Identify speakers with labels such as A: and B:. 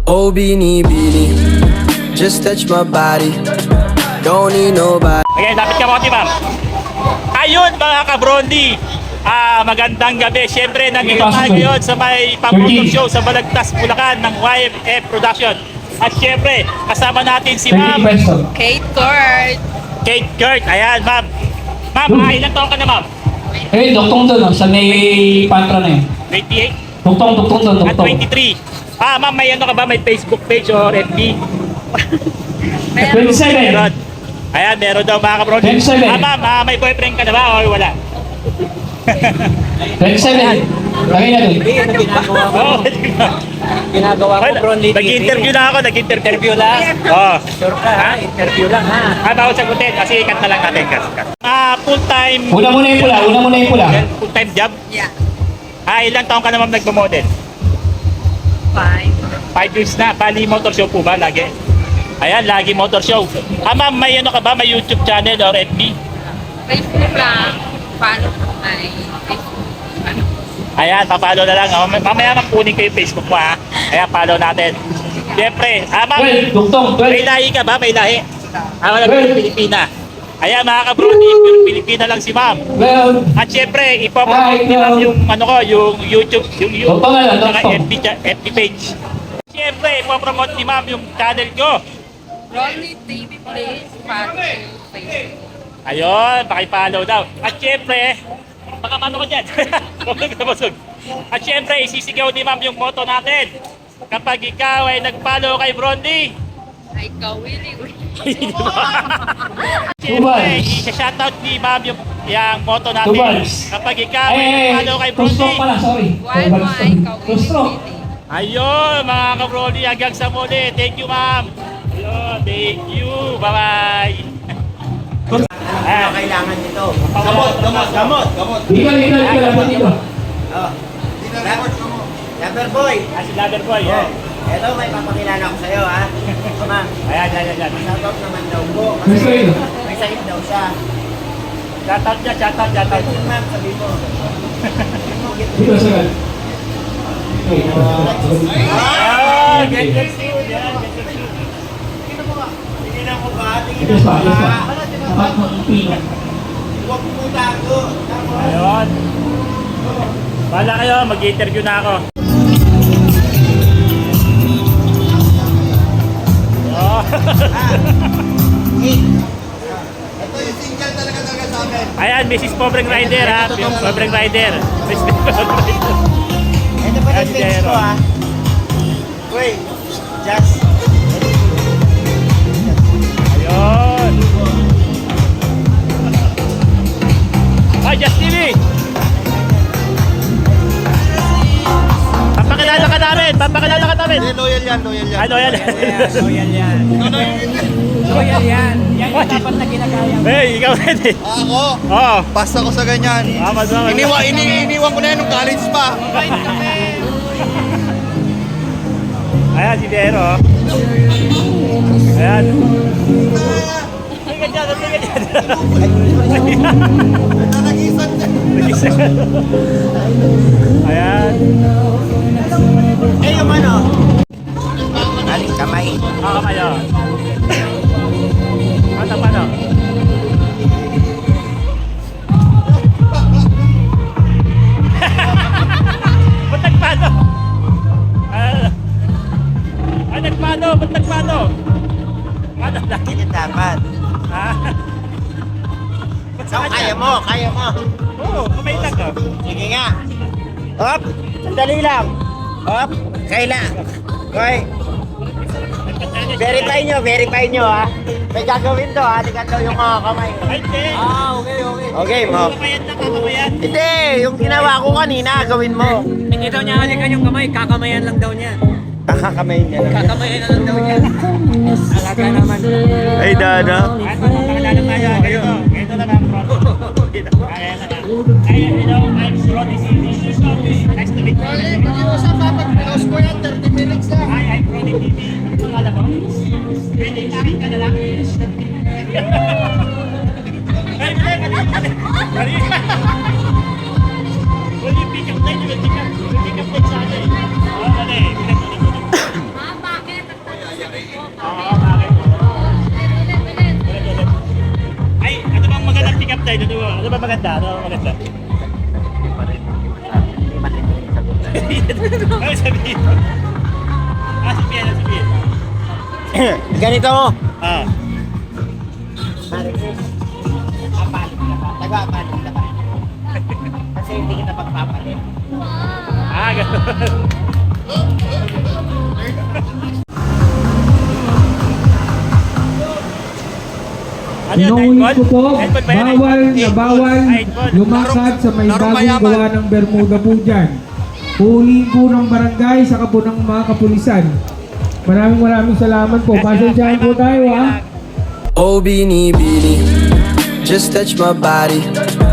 A: Oh, beanie, beanie, just touch my body. Don't need nobody.
B: Okay, dapat ka mo, ma'am. Ayun mga kabrondi. Magandang gabi. Siyempre, nandito tayo ngayon sa may pang-photo show sa Balagtas, Bulacan ng YFF Production. At siyempre, kasama natin si Ma'am
C: Kate Court.
B: Kate Kurt. Ayan, Ma'am. Ma'am, ilang taon ka na, Ma'am?
D: Eh, doktong doon, sa may pantra na yun.
B: 28?
D: Doktong doon,
B: At
D: doktong.
B: 23? Ma'am, may ano ka ba? May Facebook page or FB?
D: 27.
B: Meron. Ayan, meron daw mga kabrondi.
D: 27.
B: Ma'am, may boyfriend ka na ba or wala?
D: 27. Lagay na doon.
B: Oo.
E: Ginagawa ko Bronly TV.
B: Nag-interview na ako,
E: Interview lang.
B: Oo.
E: Sure ka ha? Interview lang ha?
B: Bawal sagutin kasi ikat na lang natin. Full-time,
D: Una muna yung pula.
B: full-time job?
C: Yeah.
B: Ilang taon ka naman nagmamodel? 5 years na. Bali motor show po ba lagi? Ayan, lagi motor show. Ma'am, may ano ka ba? May YouTube channel or FB?
C: Facebook lang. Paano ay Facebook? Ano?
B: Ayan, papalo na lang. Mamaya kunin ko yung Facebook mo ha. Ayan, follow natin. Siyempre, ma'am,
D: 12, doktong,
B: may
D: 12.
B: lahi ka ba? May lahi? Wala ba yung Pilipina? Ayan, mga kabroni, pure Pilipina lang si ma'am.
D: Well,
B: At syempre, ipopromote ni ma'am yung ano ko, yung YouTube, yung
D: Doktor nga lang,
B: saka
D: doktor.
B: FB page. Syempre, ipopromote ni ma'am yung channel ko.
C: Ronnie TV Plays. Paano Facebook?
B: Ayun, pakipollow daw. At syempre, baka mano ko dyan. Busog. At syempre, isisigaw ni ma'am yung motto natin. Kapag ikaw ay nag-follow kay Brondy,
C: Ay, ikaw, Willie.
B: syempre, isa-shoutout ni ma'am yung motto natin.
D: Tubals.
B: Kapag ikaw ay nag-follow kay
D: two
B: Brondy,
D: stroke pala, sorry.
C: Why mo ay ikaw,
D: Two stroke.
C: Willie?
B: ayun, mga ka-Brondy, hanggang sa muli. Thank you, ma'am. Ayun, thank you. Bye-bye.
E: Ano kailangan nito?
D: Ikaw, dapat dito.
E: Oh. Lover boy.
B: Si Lover Boy.
E: Oh. Ito, may papakilala ko sa'yo ha. Ma'am,
B: Ayan, ayan.
E: shoutout naman daw po.
D: Gusto
E: Kasi
D: yun.
E: may sakit daw siya.
B: Shoutout niya.
E: Ma'am, sabi mo.
D: Dito, sir. Okay,
B: Ah, get you. Yan, get you.
E: Tingnan mo ba?
D: ito
E: Tingnan
D: pa,
E: mo
D: ito pa.
E: ba?
D: Dapat mo ipino.
E: Huwag mo tago.
B: Ayun. Bahala kayo, mag-interview na ako. Oh.
E: Ito yung single talaga sa amin.
B: Ayan, Mrs. Pobreng Rider ha. Pobreng Rider. Mrs. Pobreng Rider.
E: Ito pa yung page ko ha. Wait, just.
B: Ayun. Ay, Just TV. Papakilala ka namin.
E: Loyal yan.
B: Ano yan?
E: Loyal yan. Yan yung dapat na ginagaya.
B: Hey, ikaw ready?
F: Ako,
B: Oo.
F: basta ko sa ganyan.
B: Tama.
F: Iniwan ko na yan nung college pa.
B: Ayan, si Vero. Ayan. Tingnan dyan.
F: Nanagisan na.
B: Ayan.
E: Eh, yung ano? Aling kamay.
B: Ako kayo. Ano pa no? Ba't nagpano? Nagpano? Ba't nagpano? Ano dahil?
E: Ganyan dapat.
B: Ba't
E: So,
B: sa kanya?
E: kaya mo.
B: Oo, kamay lang oh.
E: Sige nga. Hop, sandali lang. Hop, kaila. Okay. Verify nyo ha. May gagawin to ha. Tingnan daw yung mga kamay.
B: Ay, hindi.
E: Okay mo.
B: Kamayan na, kamayan.
E: Hindi, yung ginawa ko kanina, gawin mo.
G: Hindi daw niya halikan yung kamay, kakamayan lang daw niya.
E: Kakakamayin niya lang.
G: Kakamayan na lang daw niya. Alaga naman.
E: Ay, dada.
B: Ay, papakilala tayo. Ganito na lang, bro. Ayan na. Ayan, hello. I'm Ronnie TV. Nice to meet you.
F: Sa dapat, pinost ko yan, 30 minutes lang.
B: Hi, I'm Ronnie TV. Ano pangalan mo? Pwede, akin ka na lang. Ay, Mali. Will you pick up line? You will pick up line sa akin. Oh, mali. Oo, bakit? Ay, ano bang magandang pick up tayo? Ano ba maganda? Ano ba maganda? Ano sabihin? Sabihin.
E: Ganito.
B: Ah.
E: Marites. Apalit ka ba? Taga-apalit ka ba? Kasi hindi kita magpapalit.
B: Ganun. Ano yun?
H: Inuulit ko po,
B: Nightball ba yan?
H: bawal na
B: Nightball.
H: bawal
B: Nightball.
H: lumakad sa may
F: Larong
H: bagong
F: mayaman.
H: gawa ng Bermuda po dyan. Huliin po ng barangay sa po ng mga kapulisan. Maraming salamat po. Pasensyahan po tayo ha.
A: Oh, beanie, beanie, just touch my body.